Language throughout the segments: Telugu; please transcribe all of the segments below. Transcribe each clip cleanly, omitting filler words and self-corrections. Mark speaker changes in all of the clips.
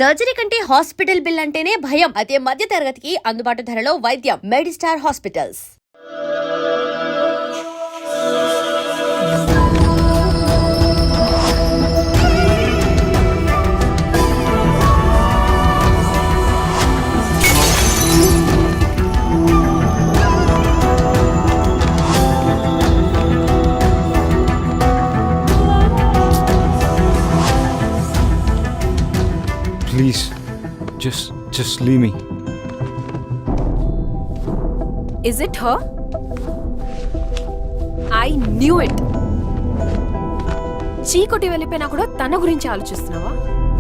Speaker 1: సర్జరీ కంటే హాస్పిటల్ బిల్ అంటేనే భయం. అదే మధ్య తరగతికి అందుబాటు ధరలో వైద్యం. Medistar hospitals.
Speaker 2: Please, just leave me.
Speaker 3: Is it her? I knew it. చీకొట్టి వెళ్ళిపోయినా కూడా తన గురించి ఆలోచిస్తున్నావా?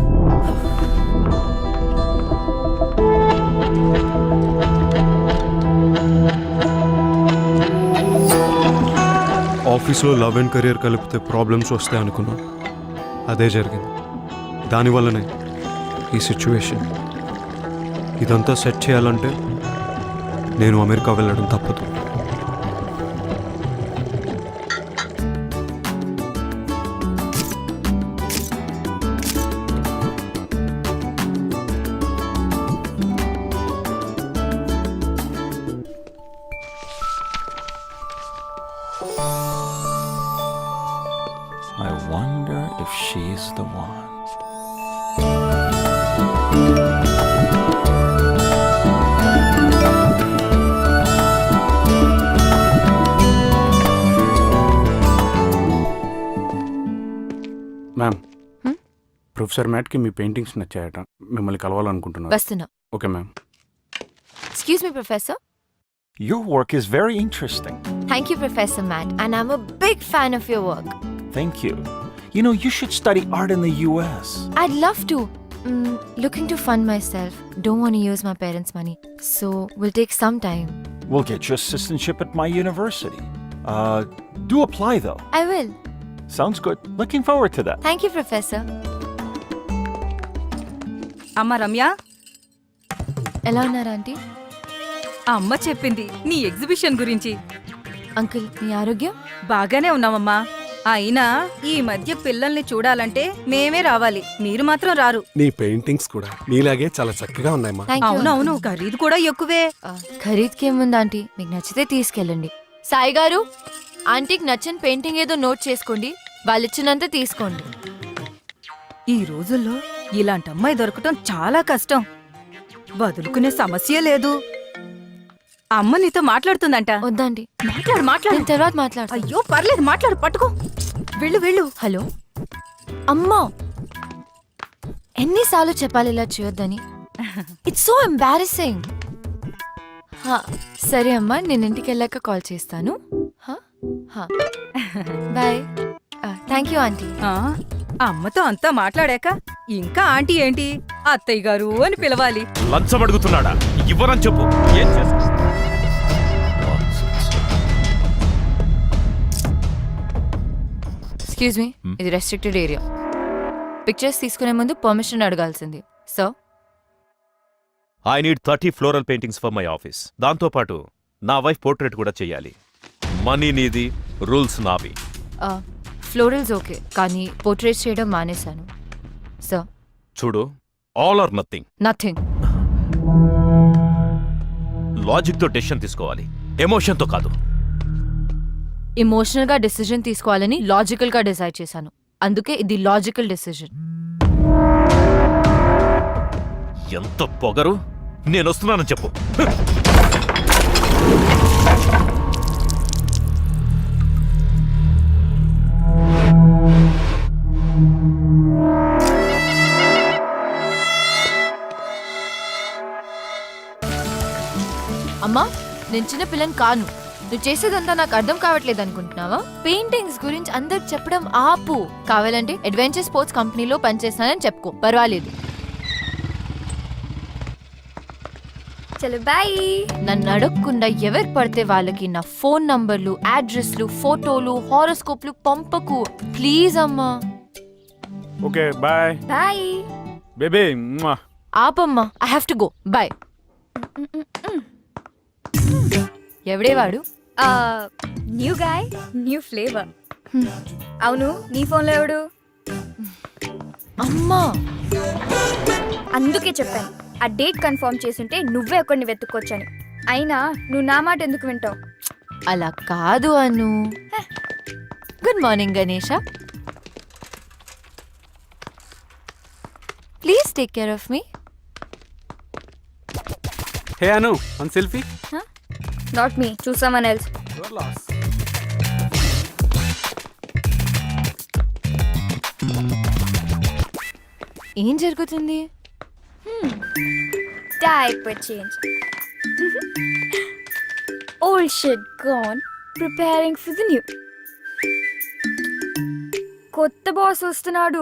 Speaker 2: ఆఫీస్లో లవ్ అండ్ కెరియర్ కలిపితే ప్రాబ్లమ్స్ వస్తాయి అనుకున్నాను. అదే జరిగింది. దానివల్లనే ఈ సిచ్యువేషన్. ఇదంతా సెట్ చేయాలంటే నేను అమెరికా వెళ్ళడం తప్పదు.
Speaker 4: I wonder if she's the one.
Speaker 5: Ma'am, professor మ్యాట్కి మీ పెయింటింగ్స్ నచ్చాయట. మిమ్మల్ని కలవాలనుకుంటున్నారు.
Speaker 3: వస్తున్నా.
Speaker 5: Okay ma'am.
Speaker 3: Excuse me, Professor.
Speaker 4: Your work is very interesting.
Speaker 3: Thank you, Professor Matt, and I'm a big fan of your work.
Speaker 4: Thank you. You know, you should study art in the US.
Speaker 3: I'd love to. Looking to fund myself. Don't want to use my parents' money. So, will take some time.
Speaker 4: We'll get you assistantship at my university. Do apply though.
Speaker 3: I will.
Speaker 4: Sounds good. Looking forward to that.
Speaker 3: Thank you, Professor.
Speaker 6: అమ్మ రమ్య,
Speaker 3: ఎలా ఉన్నారు ఆంటీ?
Speaker 6: ఆ అమ్మ చెప్పింది నీ ఎగ్జిబిషన్ గురించి.
Speaker 3: అంకుల్, మీ ఆరోగ్యం?
Speaker 6: బాగానే ఉన్నామమ్మా. అయినా ఈ మధ్య పిల్లల్ని చూడాలంటే మేమే రావాలి, మీరు మాత్రం రారు.
Speaker 7: నీ పెయింటింగ్స్ కూడా నీలాగే చాలా చక్కగా ఉన్నాయమ్మా.
Speaker 3: Thank you.
Speaker 6: అవునవును, ఖరీదు కూడా ఎక్కువే.
Speaker 3: ఖరీదుకేముంది ఆంటీ, మీకు నచ్చితే తీసుకెళ్ళండి. సాయి గారు, ఆంటీకి నచ్చిన పెయింటింగ్ ఏదో నోట్ చేసుకోండి, వాళ్ళు ఇచ్చినంత తీసుకోండి.
Speaker 6: ఈ రోజుల్లో ఇలాంటి అమ్మాయి దొరకటం చాలా కష్టం. వదులుకునే సమస్య లేదు. అమ్మ నీతో మాట్లాడుతుందంట.
Speaker 3: వద్దండి,
Speaker 6: మాట్లాడు.
Speaker 3: నేను తర్వాత మాట్లాడతా.
Speaker 6: అయ్యో పర్లేదు, మాట్లాడు, పట్టుకో. వెళ్ళు.
Speaker 3: హలో అమ్మా, ఎన్నిసార్లు చెప్పాలి ఇలా చేయొద్దని? It's so embarrassing. సరే అమ్మా, నేను ఇంటికి వెళ్ళాక కాల్ చేస్తాను. బాయ్. Thank you aunty.
Speaker 6: అమ్మతో అంతా మాట్లాడాక ఇంకా ఆంటీ ఏంటి, అత్తయ్య గారు అని పిలవాలి.
Speaker 8: లంచం అడుగుతున్నాడా? ఇవ్వరని చెప్పు. ఏం
Speaker 3: ఎక్స్క్యూజ్ మీ, ఇది రెస్ట్రిక్టెడ్ ఏరియా. పిక్చర్స్ తీసుకునే ముందు పర్మిషన్ అడగాల్సింది. So
Speaker 8: I need 30 floral paintings for my office. దాంతో పాటు నా వైఫ్ పోర్ట్రేట్ కూడా చెయ్యాలి. మనీ నీది, రూల్స్ నావి.
Speaker 3: ఫ్లోరల్స్ ఓకే, కానీ పోర్ట్రేట్స్ చేయడం మానేశాను. సో
Speaker 8: చూడు, all or nothing.
Speaker 3: Nothing.
Speaker 8: Logic తో డెసిషన్ తీసుకోవాలి, ఎమోషన్ తో కాదు.
Speaker 3: ఎమోషనల్ గా డెసిజన్ తీసుకోవాలని లాజికల్ గా డిసైడ్ చేశాను. అందుకే ఇది లాజికల్ డెసిజన్.
Speaker 8: ఎంత పొగరు! నేను వస్తున్నానని చెప్పు.
Speaker 3: అమ్మా, నేను చిన్న పిల్లని కాను. నువ్వు చేసేదంతా నాకు అర్థం కావట్లేదు అనుకుంటున్నావా? పెయింటింగ్స్ గురించి అందరికి చెప్పడం ఆపు. కావాలంటే అడ్వెంచర్ స్పోర్ట్స్ కంపెనీలో పనిచేస్తానని చెప్పుకో, పర్వాలేదు.
Speaker 9: చలో బాయ్.
Speaker 3: నన్ను అడగకుండా ఎవరు పడితే వాళ్ళకి నా ఫోన్ నంబర్లు, అడ్రస్లు, ఫోటోలు, హారోస్కోప్లు పంపకు ప్లీజ్ అమ్మా.
Speaker 5: Okay bye.
Speaker 9: Bye
Speaker 5: baby.
Speaker 3: ఆపమ్మా, I have to go. Bye. ఎవడే వాడు?
Speaker 9: New guy, new flavour. అవును, నీ ఫోన్లో ఎవడు?
Speaker 3: అమ్మా.
Speaker 9: అందుకే చెప్పాను ఆ డేట్ కన్ఫర్మ్ చేసుంటే నువ్వే ఒకరిని వెతుక్కొచ్చాను. అయినా నువ్వు నా మాట ఎందుకు వింటావు?
Speaker 3: అలా కాదు Anu. Good morning Ganesha. Please take care of me.
Speaker 5: Hey Anu, one selfie.
Speaker 9: Not me, choose someone else.
Speaker 3: ఏం జరుగుతుంది?
Speaker 9: Diaper change. Old shit gone, preparing for the new. కొత్త బాస్ వస్తున్నాడు.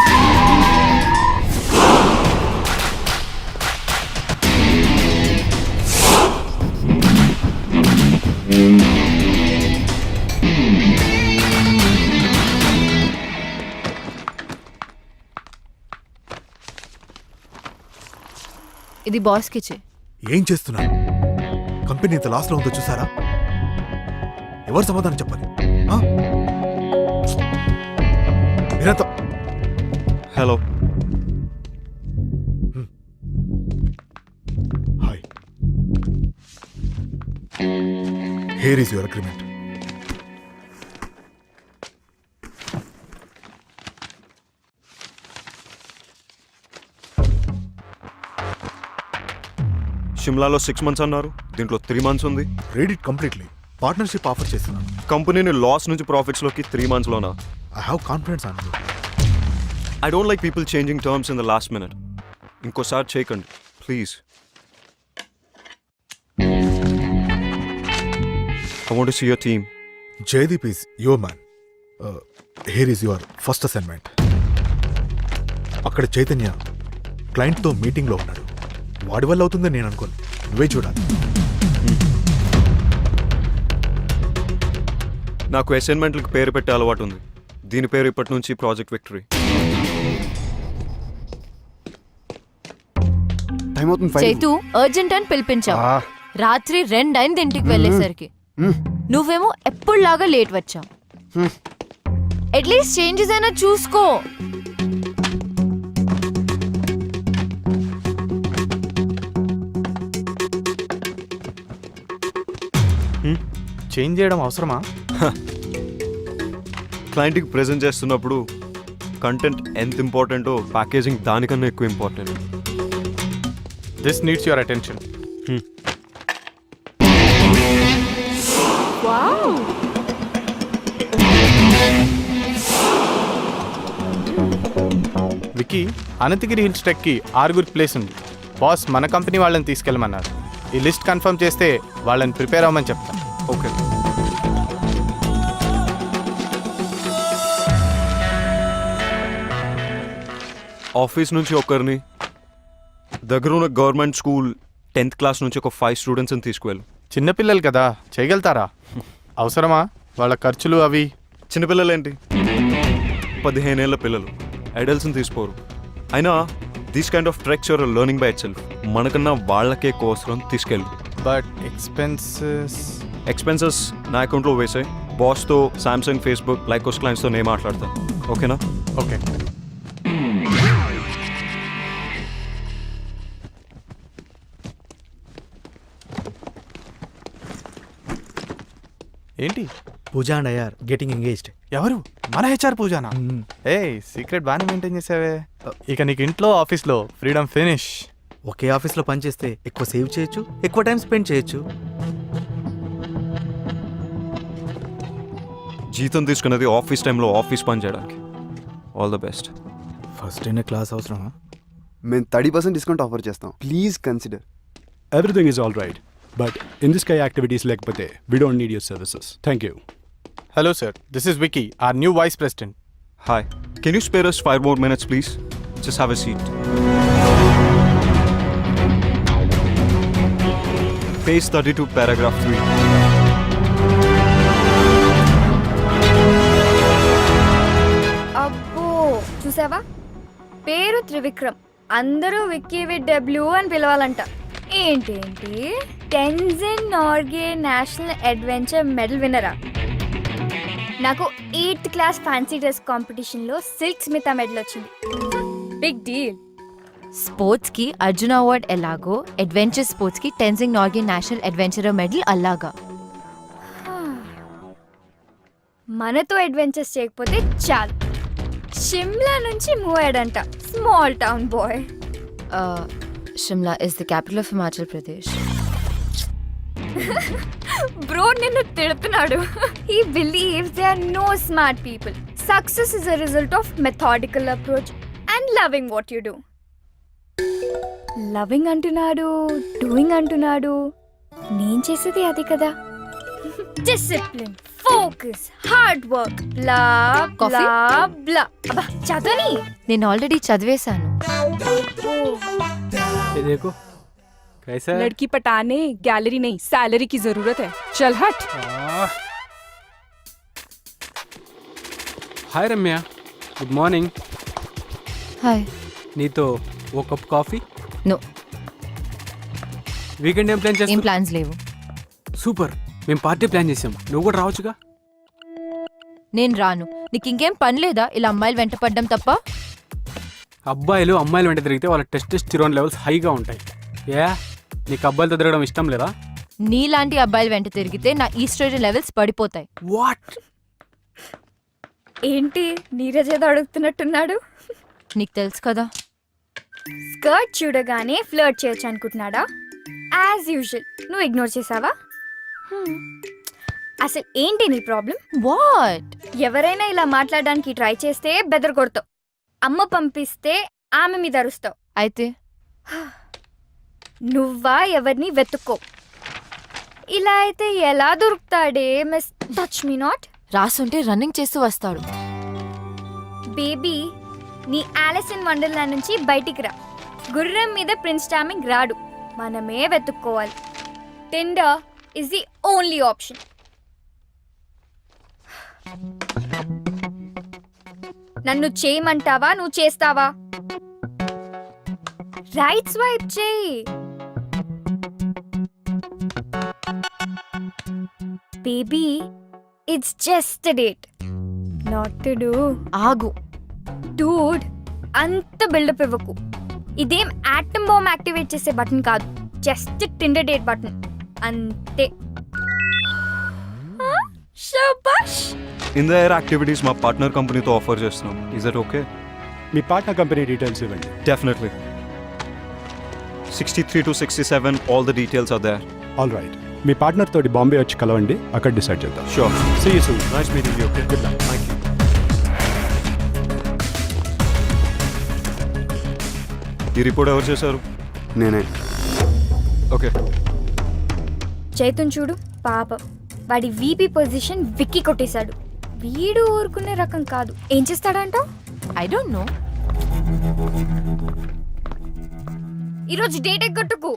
Speaker 3: ఇది బాస్కి ఇచ్చే.
Speaker 10: ఏం చేస్తున్నారు? కంపెనీ ఇంత లాస్లో ఉందో చూసారా? ఎవరు సమాధానం చెప్పాలి? ఆ? మీరంతా
Speaker 2: hello.
Speaker 10: Hi. Here is your agreement.
Speaker 2: షిమ్లాలో 6 months అన్నారు, దీంట్లో 3 months ఉంది.
Speaker 10: Read it completely. Partnership offer చేస్తున్నాను.
Speaker 2: కంపెనీని లాస్ నుంచి ప్రాఫిట్స్లోకి 3 monthsలోనా?
Speaker 10: I have confidence on you.
Speaker 2: I don't like people changing terms in the last minute. ఇంకోసారి చేయకండి please. I want to see your team.
Speaker 10: Jaideep is your man. Here is your first assignment. అక్కడ చైతన్య క్లయింట్తో మీటింగ్లో ఉన్నాడు. వాడి వల్ల అవుతుందని నేను అనుకోను. నువ్వే చూడాలి.
Speaker 2: నాకు అసైన్మెంట్లకు పేరు పెట్టే అలవాటు ఉంది. దీని పేరు ఇప్పటి నుంచి ప్రాజెక్ట్ విక్టరీ.
Speaker 3: చైతు అర్జెంట్ అని పిలిపించావు. రాత్రి 2 అయింది ఇంటికి వెళ్ళేసరికి. నువ్వేమో ఎప్పుడులాగా లేట్ వచ్చావు. అట్లీస్ట్ చేంజెస్ అయినా చూసుకో.
Speaker 5: చేంజ్ చేయడం అవసరమా?
Speaker 2: క్లయింట్కి ప్రెజెంట్ చేస్తున్నప్పుడు కంటెంట్ ఎంత ఇంపార్టెంటో ప్యాకేజింగ్ దానికన్నా ఎక్కువ important.
Speaker 5: This needs your attention. Vicky, Ananthagiri hills ట్రెక్కి 6 ప్లేస్ ఉంది. బాస్ మన కంపెనీ వాళ్ళని తీసుకెళ్ళమన్నారు. ఈ లిస్ట్ కన్ఫర్మ్ చేస్తే వాళ్ళని ప్రిపేర్ అవ్వమని చెప్తాను.
Speaker 2: ఓకే. ఆఫీస్ నుంచి ఒకరిని, దగ్గర ఉన్న గవర్నమెంట్ స్కూల్ 10th class నుంచి ఒక 5 స్టూడెంట్స్ని తీసుకువెళ్ళు.
Speaker 5: చిన్నపిల్లలు కదా, చేయగలుగుతారా? అవసరమా వాళ్ళ ఖర్చులు అవి?
Speaker 2: చిన్నపిల్లలేంటి, 15 ఏళ్ల పిల్లలు, అడల్ట్స్ని తీసుకోరు. అయినా these kind of treks your learning by itself. మనకన్నా వాళ్ళకే కోర్సులను తీసుకెళ్ళు.
Speaker 5: బట్
Speaker 2: ఎక్స్పెన్సెస్ నా అకౌంట్లో వేసాయి. బాస్తో సామ్సంగ్, ఫేస్బుక్, లైకోస్ క్లయింట్స్తో నేను మాట్లాడతాను. ఓకేనా?
Speaker 5: ఓకే. ఏంటి?
Speaker 10: Pooja and I are getting engaged.
Speaker 5: ఎవరు? మన హెచ్ఆర్ పూజానా? ఏ సీక్రెట్ బాగానే మెయింటైన్ చేసావే. ఇక నీకు ఇంట్లో ఆఫీస్లో ఫ్రీడమ్ ఫినిష్.
Speaker 10: ఒకే ఆఫీస్లో పనిచేస్తే ఎక్కువ సేవ్ చేయొచ్చు, ఎక్కువ టైం స్పెండ్ చేయొచ్చు.
Speaker 2: జీతం తీసుకున్నది ఆఫీస్ టైంలో ఆఫీస్ పని చేయడానికి. All the best.
Speaker 10: ఫస్ట్ అయిన క్లాస్ అవసరమా?
Speaker 11: మేము 30% డిస్కౌంట్ ఆఫర్ చేస్తాం. Please consider.
Speaker 7: Everything is all right. But in this kind of activities like Pate, we don't need your services. Thank you.
Speaker 5: Hello sir, this is Vicky, our new vice president.
Speaker 2: Hi. Can you spare us 5 more minutes, please? Just have a seat. Page 32, paragraph 3.
Speaker 9: అబ్బో, చూసావా? పేరు త్రివిక్రమ్, అందరూ విక్కీ విత్ డబ్ల్యూ అని పిలవాలంట. ఏంటేంటి, Tenzing Norgay national adventure medal విన్నరా? నాకు 8th class ఫ్యాన్సీ డ్రెస్ కాంపిటీషన్లో సిల్క్ స్మితా మెడల్ వచ్చింది. Big deal.
Speaker 3: స్పోర్ట్స్ కి అర్జున అవార్డ్ ఎలాగో అడ్వెంచర్ స్పోర్ట్స్ కి Tenzing Norgay national adventurer medal అలాగా.
Speaker 9: మనతో అడ్వెంచర్స్ చేయకపోతే చాలు. షిమ్లా నుంచి మూవ్ అయ్యాడంట, small town boy.
Speaker 3: Shimla is the capital of Himachal Pradesh.
Speaker 9: Bro నిన్ను తిడుతున్నాడు. He believes they are no smart people. Success is a result of methodical approach and loving what you do. Loving అంటున్నాడు, డూయింగ్ అంటున్నాడు. నేను చేసేది అది కదా. Discipline, focus, hard work, blah
Speaker 3: Coffee?
Speaker 9: Blah blah. అబ్బా చదవని.
Speaker 3: నేను ఆల్రెడీ చదివేశాను.
Speaker 7: देखो कैसा है?
Speaker 6: लड़की पटाने गैलरी नहीं सैलरी की जरूरत है. चल हट.
Speaker 7: Hi Ramya, good morning.
Speaker 3: Hi.
Speaker 7: నీతో ఓ కప్ కాఫీ.
Speaker 3: నో,
Speaker 7: వీకెండ్ ఏం ప్లాన్
Speaker 3: ఏం
Speaker 7: చేస్తావు?
Speaker 3: ప్లాన్స్ లేవు.
Speaker 7: సూపర్, మేము పార్టీ ప్లాన్ చేసాం, నువ్వు కూడా రావచ్చుగా.
Speaker 3: నేను రాను. నీకు ఇంకేం పని లేదా ఇలా అమ్మాయిలు వెంట పడ్డం తప్ప?
Speaker 7: అబ్బాయిలు అమ్మాయిలు వెంట తిరిగితే వాళ్ళ టెస్టోస్టెరాన్ లెవెల్స్ హైగా ఉంటాయి. ఏ నీకు అబ్బాయిలతో తిరగడం ఇష్టం లేదా?
Speaker 3: నీలాంటి అబ్బాయిలు వెంట తిరిగితే నా ఈస్ట్రోజన్ లెవెల్స్ పడిపోతాయి.
Speaker 7: వాట్?
Speaker 9: ఏంటి నీరజ్ ఏదో అడుగుతున్నట్టున్నాడు.
Speaker 3: నీకు తెలుసు కదా.
Speaker 9: స్కర్ట్ చూడగానే ఫ్లర్ట్ చేయొచ్చు అనుకుంటున్నాడా? యాజ్ యూజువల్ నువ్వు ఇగ్నోర్ చేసావా? అసలు ఏంటి నీ ప్రాబ్లం?
Speaker 3: వాట్?
Speaker 9: ఎవరైనా ఇలా మాట్లాడడానికి ట్రై చేస్తే బెదర్ కొడతావు. అమ్మ పంపిస్తే ఆమె మీద అరుస్తావు.
Speaker 3: అయితే
Speaker 9: నువ్వా ఎవరిని వెతుక్కో. ఇలా అయితే ఎలా దొరుకుతాడే మిస్ టచ్ మీ నాట్.
Speaker 3: రాసుంటే రన్నింగ్ చేస్తూ వస్తాడు.
Speaker 9: బేబీ నీ ఆలిస్ ఇన్ వండర్లాండ్ నుంచి బయటికి రా. గుర్రం మీద ప్రిన్స్ చార్మింగ్ రాడు, మనమే వెతుక్కోవాలి. Tinder is the only option. నన్ను చేయమంటావా, నువ్వు చేస్తావా? రైట్ స్వైప్ చేయి. Baby it's just date, not to do.
Speaker 3: ఆగు.
Speaker 9: డూడ్ అంత బిల్డప్ ఇవ్వకు. ఇదేం ఆటమ్ బాంబ్ యాక్టివేట్ చేసే బటన్ కాదు, జస్ట్ టిండర్ డేట్ బటన్ అంతే. శబాష్.
Speaker 2: ఇన్ ద ఎయిర్ యాక్టివిటీస్ మా పార్ట్నర్ కంపెనీతో ఆఫర్ చేస్తున్నాం. Is that okay?
Speaker 7: మీ పార్ట్నర్ కంపెనీ డీటెయిల్స్ ఇవ్వండి.
Speaker 2: Definitely. 63 to 67 all the details are there.
Speaker 7: All right, me partner తోటి బాంబే వచ్చి కలవండి, అక్కడ డిసైడ్ చేద్దాం.
Speaker 2: Sure.
Speaker 7: See you soon.
Speaker 2: Nice meeting you. Okay.
Speaker 7: Good luck.
Speaker 2: Thank you. ఈ రిపోర్ట్ ఎవరు చేశారు?
Speaker 11: నేనే.
Speaker 2: ఓకే.
Speaker 9: చైతన్ చూడు పాపం, వాడి వీపీ పొజిషన్ విక్కి కొట్టేశాడు. వీడు ఊరుకునే రకం కాదు. ఏం చేస్తాడంటావు?
Speaker 3: I don't know.
Speaker 9: ఈరోజు డేట్ ఎగ్గొట్టుకు.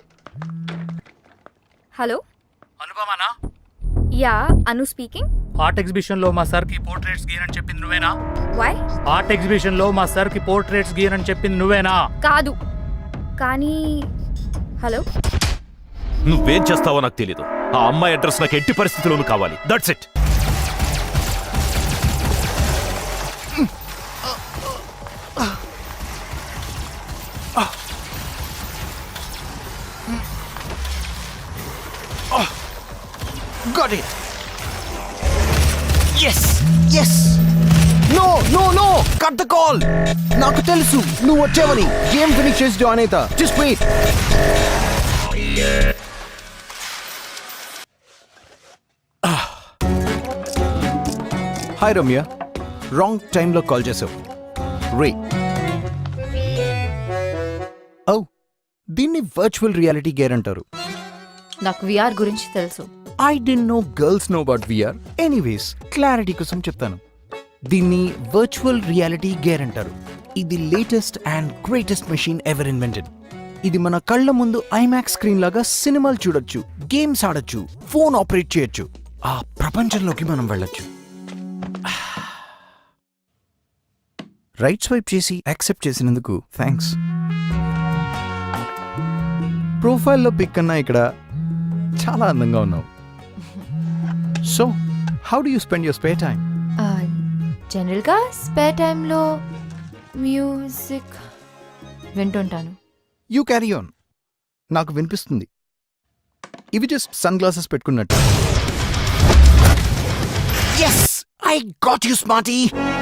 Speaker 9: హలో
Speaker 12: అనుపమానా?
Speaker 9: Yeah, Anu speaking.
Speaker 12: Art exhibition లో మా సార్ కి పోర్ట్రేట్స్ గీయనని చెప్పింది నువ్వేనా?
Speaker 9: వై?
Speaker 12: ఆర్ట్ ఎగ్జిబిషన్ లో మా సార్ కి పోర్ట్రేట్స్ గీయనని చెప్పింది నువ్వేనా?
Speaker 9: కాదు కానీ. హలో,
Speaker 8: నువ్వేం చేస్తావో నాకు తెలీదు. ఆ అమ్మాయి అడ్రస్ నాకు ఎట్టి పరిస్థితుల్లోనూ కావాలి. That's it.
Speaker 12: Got it. Yes. Yes. No, no, no. Cut the call. నాకు తెలుసు నువ్వు వచ్చావని. గేమ్ ఫినిష్ చేసి జాయిన్ అవుతా. Just wait. Hi Ramya, wrong టైంలో కాల్ చేసావు. రే ఓ, దీన్ని వర్చువల్ రియాలిటీ గేర్ అంటారు.
Speaker 3: నాకు విఆర్ గురించి తెలుసు.
Speaker 12: I don't know girls know about VR. Anyways, clarity కోసం చెప్తాను. దీన్ని వర్చువల్ రియాలిటీ గేర్ అంటారు. ఇది latest and greatest machine ever invented. ఇది మన కళ్ళ ముందు ఐమాక్స్ స్క్రీన్ లాగా సినిమాలు చూడొచ్చు, గేమ్స్ ఆడొచ్చు, ఫోన్ ఆపరేట్ చేయొచ్చు. ఆ ప్రపంచంలోకి మనం వెళ్ళొచ్చు. రైట్ స్వైప్ చేసి యాక్సెప్ట్ చేసినందుకు థ్యాంక్స్. ప్రొఫైల్లో పిక్ కన్నా ఇక్కడ చాలా అందంగా ఉన్నావు. So how do you spend your spare time?
Speaker 3: జనరల్గా స్పేర్ టైంలో మ్యూజిక్ వింటుంటాను.
Speaker 12: You carry on. నాకు వినిపిస్తుంది. ఇవి జస్ట్ సన్ గ్లాసెస్ పెట్టుకున్నట్టు. Yes, I got you smarty.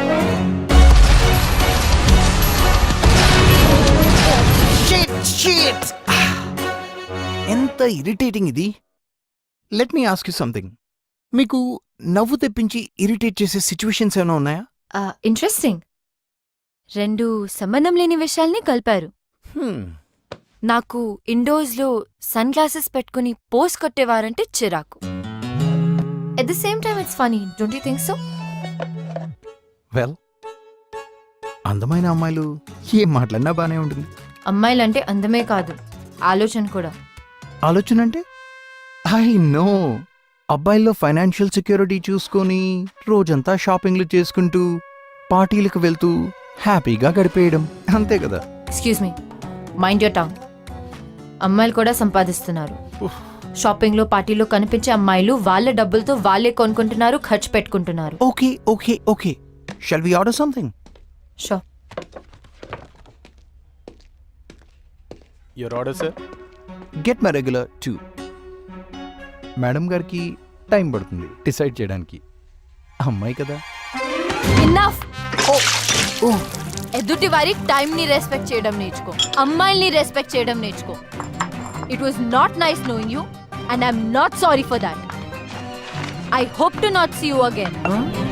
Speaker 12: ఎంత ఇరిటేటింగ్ ఇది. Let me ask you something. మీకు నవ్వు తెప్పించి ఇరిటేట్ చేసే సిచ్యువేషన్స్ ఏమైనా ఉన్నాయా?
Speaker 3: ఇంట్రెస్టింగ్. 2 సంబంధం లేని విషయాల్ని కలిపారు. నాకు ఇండోర్స్లో సన్ గ్లాసెస్ పెట్టుకుని పోస్ కొట్టేవారంటే చిరాకు. At the same time it's funny, don't you think so?
Speaker 12: Well, అందమైన అమ్మాయిలు ఏం మాట్లాడినా బానే ఉంటుంది.
Speaker 3: అమ్మాయిలంటే అందమే కాదు, ఆలోచన కూడా.
Speaker 12: ఆలోచన అంటే? I know. అబ్బాయిల్లో ఫైనాన్షియల్ సెక్యూరిటీ చూసుకొని రోజంతా షాపింగ్లు చేసుకుంటూ పార్టీలకు వెళ్తూ హ్యాపీగా గడిపేయడం, అంతే కదా.
Speaker 3: Excuse me, mind your tongue. అమ్మాయిలు కూడా సంపాదిస్తున్నారు. షాపింగ్లో పార్టీలో కనిపించే అమ్మాయిలు వాళ్ళ డబ్బులతో వాళ్ళే కొనుక్కుంటున్నారు, ఖర్చు పెట్టుకుంటున్నారు.
Speaker 12: Okay okay okay, shall we order something?
Speaker 3: So.
Speaker 5: Your order sir.
Speaker 12: Get my regular 2. Madam గారికి టైం పడుతుంది డిసైడ్ చేయడానికి. అమ్మాయి కదా.
Speaker 3: ఇన్నఫ్. ఎదుటి వారి టైంని రెస్పెక్ట్ చేయడం నేర్చుకో, అమ్మాయిల్ని రెస్పెక్ట్ చేయడం నేర్చుకో. It was not nice knowing you and I'm not sorry for that. I hope to not see you again.